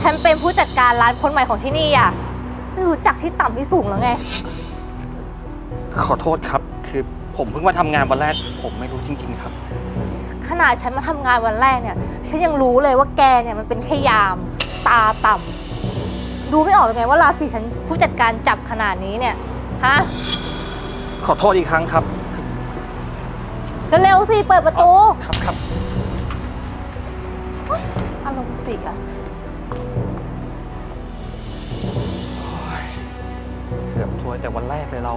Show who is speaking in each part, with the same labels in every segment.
Speaker 1: ฉันเป็นผู้จัดการร้านคนใหม่ของที่นี่อ่ะ ไม่รู้จักที่ต่ำที่สูงแล้วไง
Speaker 2: ขอโทษครับ คือผมเพิ่งมาทำงานวันแรก ผมไม่รู้จริงๆครับ
Speaker 1: ขนาดฉันมาทำงานวันแรกเนี่ย ฉันยังรู้เลยว่าแกเนี่ยมันเป็นแค่ยาม ตาต่ำดูไม่ออกเลยไงว่าราศีฉันผู้จัดการจับขนาดนี้เนี่ย ฮะ
Speaker 2: ขอโทษอีกครั้งครับ
Speaker 1: เร็วๆสิ เปิดประตู
Speaker 2: ครับครับ
Speaker 1: อารมณ์เสีย
Speaker 2: เกือบถ้วยแต่วันแรกเลยเรา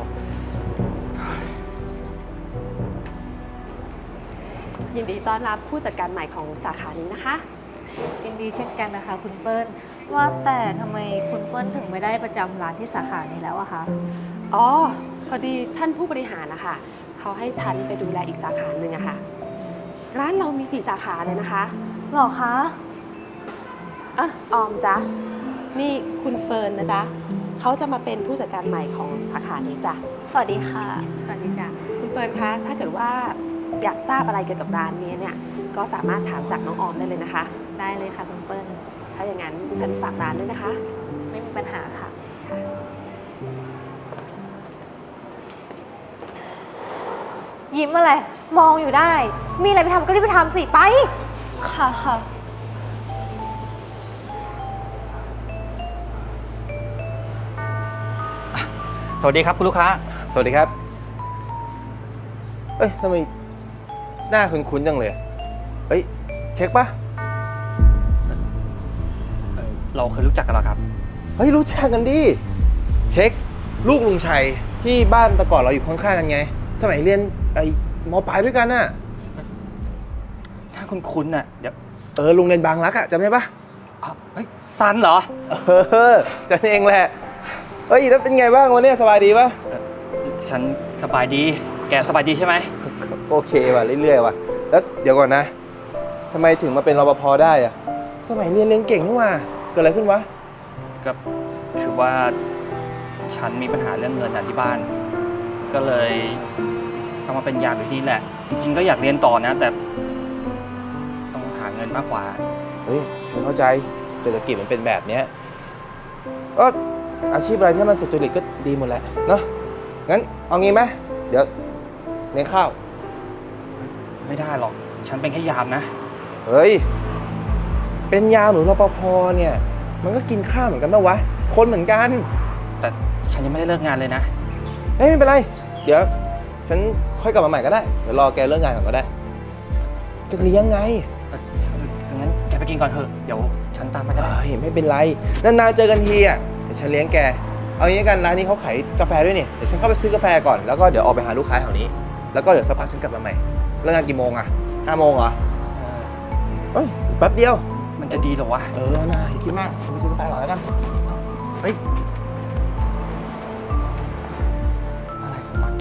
Speaker 3: ยินดีต้อนรับผู้จัดการใหม่ของสาขานี้นะคะ
Speaker 1: ยินดีเช่นกันนะคะ คุณเปิ้ล ว่าแต่ทำไมคุณเปิ้ลถึงไม่ได้ประจำร้านที่สาขานี้แล้วอะคะ
Speaker 3: อ๋อ พอดีท่านผู้บริหารนะคะเขาให้ฉันไปดูแลอีกสาขาหนึ่งอะค่ะ ร้านเรามี4 สาขาเลยนะคะ
Speaker 1: หรอคะ
Speaker 3: ออมจ๊ะ นี่คุณเฟิร์นนะจ๊ะเขาจะมาเป็นผู้จัดการใหม่ของสาขานี้จ้ะ
Speaker 1: สวัสดีค่ะ สวัสดีจ้ะ
Speaker 3: คุณเฟิร์นคะ ถ้าเกิดว่าอยากทราบอะไรเกี่ยวกับร้านนี้เนี่ย ก็สามารถถามจากน้องออมได้เลยนะคะ
Speaker 1: ได้เลยค่ะคุณเปิ้ล
Speaker 3: ถ้าอย่างนั้นฉันฝากร้านด้วยนะคะ
Speaker 1: ไม่มีปัญหาค่ะ
Speaker 3: ค่ะ
Speaker 1: ยิ้มอะไร มองอยู่ได้ มีอะไรไปทำก็รีบไปทำสิ ไป
Speaker 4: ค่ะค่ะ
Speaker 2: สวัสดีครับคุณลูกค้า
Speaker 5: สวัสดีครับ เอ้ยทำไมหน้าคุ้นๆจังเลย เอ้ย เช็คปะ
Speaker 2: เราเคยรู้จักกันแล้วครับ
Speaker 5: เฮ้ย รู้จักกันดิ เช็ค ลูกลุงชัยที่บ้านแต่ก่อนเราอยู่ข้างๆกันไง สมัยเรียนไอ้มปลายด้วยกันน่ะ
Speaker 2: ถ้าคุณคุ้นๆน่ะ เดี๋ยว
Speaker 5: ลุงเรียนบางรักอะจำได้ปะ
Speaker 2: อ้าวเฮ้ยซันเหรอ
Speaker 5: กันเองแหละ เฮ้ย แล้วเป็นไงบ้างวันนี้สบายดีปะ
Speaker 2: ฉันสบายดี แกสบายดีใช่ไหม
Speaker 5: โอเคว่ะเรื่อยๆว่ะ แล้วเดี๋ยวก่อนนะทำไมถึงมาเป็นรปภได้อะสมัยเรียนเก่งนี่หว่าเกิดอะไรขึ้นวะ
Speaker 2: ก็คือว่าฉันมีปัญหาเรื่องเงินที่บ้าน ก็เลยต้องมาเป็นยามอยู่ที่นี่แหละ จริงๆก็อยากเรียนต่อนะ แต่ต้องหาเงินมากกว่า
Speaker 5: เฮ้ยฉันเข้าใจเศรษฐกิจมันเป็นแบบเนี้ยก็อาชีพอะไรที่มันสุจริตก็ดีหมดแหละเนาะงั้นเอางี้ไหมเดี๋ยวเลี้ยงข้าว
Speaker 2: ไม่ได้หรอก ฉันเป็นแค่ยามนะ
Speaker 5: เฮ้ยเป็นยามหรือรปภเนี่ยมันก็กินข้าวเหมือนกันปะวะคนเหมือนกัน
Speaker 2: แต่ฉันยังไม่ได้เลิกงานเลยนะ
Speaker 5: เฮ้ยไม่เป็นไรเดี๋ยวฉันค่อยกลับมาใหม่ก็ได้เดี๋ยวรอแกเลิกงานก่อนก็ได้จะเลี้ยงไง
Speaker 2: งั้นแกไปกินก่อนเถอะ เดี๋ยวฉันตามมาก็ได้
Speaker 5: เฮ้ยไม่เป็นไรนานๆเจอกันทีอ่ะเดี๋ยวฉันเลี้ยงแกเอางี้กันร้านนี้เขาขายกาแฟด้วยนี่เดี๋ยวฉันเข้าไปซื้อกาแฟก่อนแล้วก็เดี๋ยวออกไปหาลูกค้าแถวนี้แล้วก็เดี๋ยวสักพักฉันกลับมาใหม่เลิกงานกี่โมงอ่ะ5 โมงเหรอ เฮ้ยแป๊บเดียว
Speaker 2: มันจะดีเหรอวะ
Speaker 5: น่าอย่าคิดมากไปซื้อกาแฟก่อนแล้วกัน
Speaker 2: เฮ้ย อะไรของมัน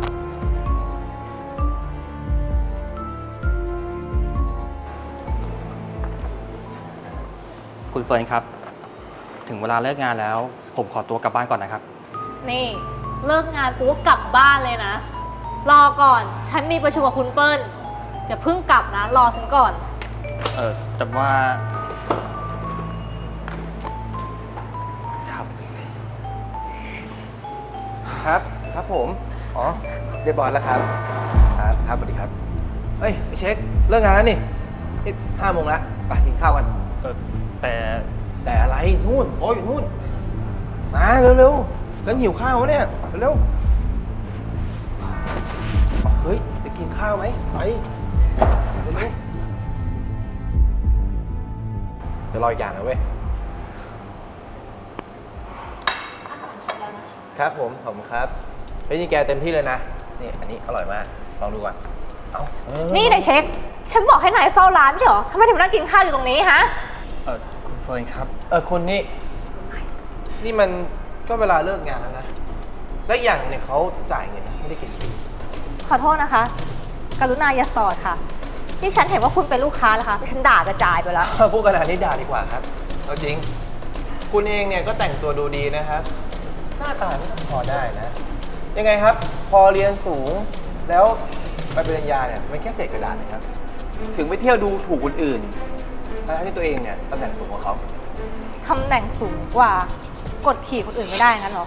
Speaker 2: คุณเฟิร์นครับ ถึงเวลาเลิกงานแล้ว ผมขอตัวกลับบ้านก่อนนะครับ
Speaker 1: นี่เลิกงานปุ๊บกลับบ้านเลยนะ รอก่อน ฉันมีประชุมกับคุณเปิ้ลอย่าเพิ่งกลับนะ รอฉันก่อน
Speaker 2: แต่ว่า ครับ
Speaker 5: ครับผมอ๋อเรียบร้อยแล้วครับครับสวัสดีครับเฮ้ยไอ้เช็คเลิกงานแล้วนี่5 โมงแล้วไปกินข้าวกัน
Speaker 2: แต่
Speaker 5: แต่อะไรนู่นโอ้ยนู่นมาเร็วๆกันหิวข้าวเนี่ยเร็วๆเฮ้ยจะกินข้าวไหมไปเร็วๆจะรออีกอย่างนะเว้ยครับผมขอบคุณครับเฮ้ยนี่แกเต็มที่เลยนะนี่อันนี้อร่อยมากลองดูก่อนเอา
Speaker 1: นี่นายเช็ค ฉันบอกให้นายเฝ้าร้านไม่ใช่เหรอทำไมถึงนั่งกินข้าวอยู่ตรงนี้ฮะ
Speaker 2: คุณเฟิร์นครับ
Speaker 5: คุณนี่มันก็เวลาเลิกงานแล้วนะ และอย่างเนี่ยเขาจ่ายเงินนะไม่ได้กินฟรี
Speaker 1: ขอโทษนะคะ กรุณาอย่าสอดค่ะ ที่ฉันเห็นว่าคุณเป็นลูกค้านะคะฉันด่ากระจายไปแล้ว
Speaker 5: พูดขนาดนี้ด่าดีกว่าครับเอาจริง คุณเองเนี่ยก็แต่งตัวดูดีนะครับ หน้าตาไม่พอได้นะ ยังไงครับ พอเรียนสูงแล้วไปปริญญาเนี่ยมันแค่เศษกระดาษนะครับ ถึงไปเที่ยวดูถูกคนอื่นทั้งที่ตัวเองเนี่ยตำแหน่งสูงกว่าเขา
Speaker 1: ตำแหน่งสูงกว่า กดขี่คนอื่นไม่ได้งั้นเหรอ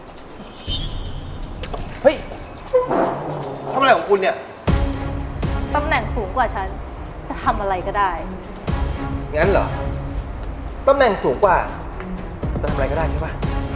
Speaker 5: เฮ้ยทำอะไรของคุณเนี่ย
Speaker 1: ตำแหน่งสูงกว่าฉัน จะทำอะไรก็ได้
Speaker 5: งั้นเหรอ ตำแหน่งสูงกว่า จะทำอะไรก็ได้ใช่ปะ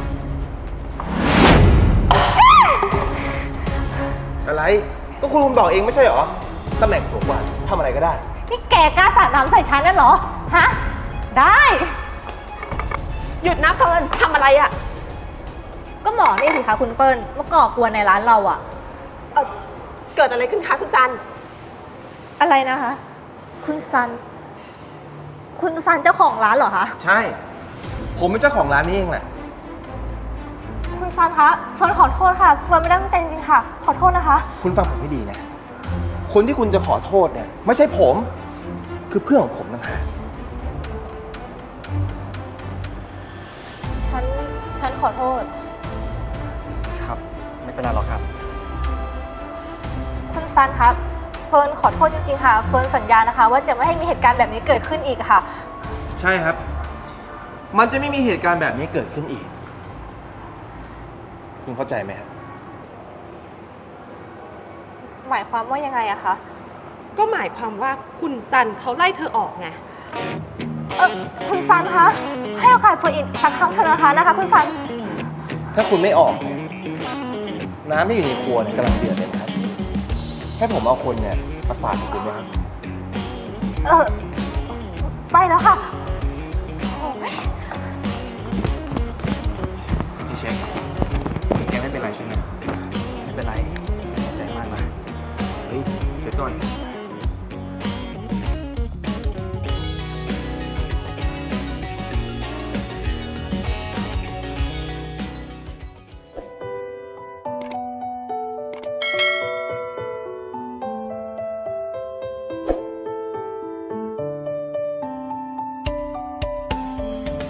Speaker 5: อะไร ก็คุณบอกเองไม่ใช่เหรอ ตำแหน่งสูงกว่าทำอะไรก็ได้
Speaker 1: นี่แกกล้าสาดน้ำใส่ฉันนั่นเหรอ ฮะ ได้
Speaker 3: หยุดนะเฟิร์นทำอะไรอะ
Speaker 1: ก็หมอนี่สิคะคุณเปิ้ลมาก่อกวนในร้านเราอะ
Speaker 3: เกิดอะไรขึ้นคะคุณซัน
Speaker 1: อะไรนะคะ คุณซัน คุณซันเจ้าของร้านเหรอคะ
Speaker 5: ใช่ ผมเป็นเจ้าของร้านนี้เองแหละ
Speaker 1: คุณซันคะเฟิร์นขอโทษค่ะเฟิร์นไม่ได้ตั้งใจจริงๆค่ะ ขอโทษนะคะ
Speaker 5: คุณฟังผมให้ดีนะ คนที่คุณจะขอโทษเนี่ย ไม่ใช่ผม คือเพื่อนของผมต่างหาก
Speaker 1: ฉันขอโทษ
Speaker 2: ครับ ไม่เป็นไรหรอกครับ
Speaker 1: คุณซันครับ เฟิร์นขอโทษจริงๆค่ะ เฟิร์นสัญญานะคะ ว่าจะไม่ให้มีเหตุการณ์แบบนี้เกิดขึ้นอีกค่ะ
Speaker 5: ใช่ครับ มันจะไม่มีเหตุการณ์แบบนี้เกิดขึ้นอีก คุณเข้าใจไหมครับ
Speaker 1: หมายความว่ายังไงอะคะ
Speaker 3: ก็หมายความว่าคุณซันเขาไล่เธอออกไง
Speaker 1: คุณซันคะ ให้โอกาสเฟิร์นอีกสักครั้งเถอะนะคะคุณซัน
Speaker 5: ถ้าคุณไม่ออกเนี่ย น้ำที่อยู่ในครัวเนี่ยกำลังเดือดเลยนะครับ ให้ผมเอาคนเนี่ยประสานกับคุณไหมครับ
Speaker 1: ไปแล้วค่ะ
Speaker 2: พี่เช็คแกไม่เป็นไรใช่ไหมไม่เป็นไรขอบใจมากนะ
Speaker 5: เฮ้ยเช็คก่อน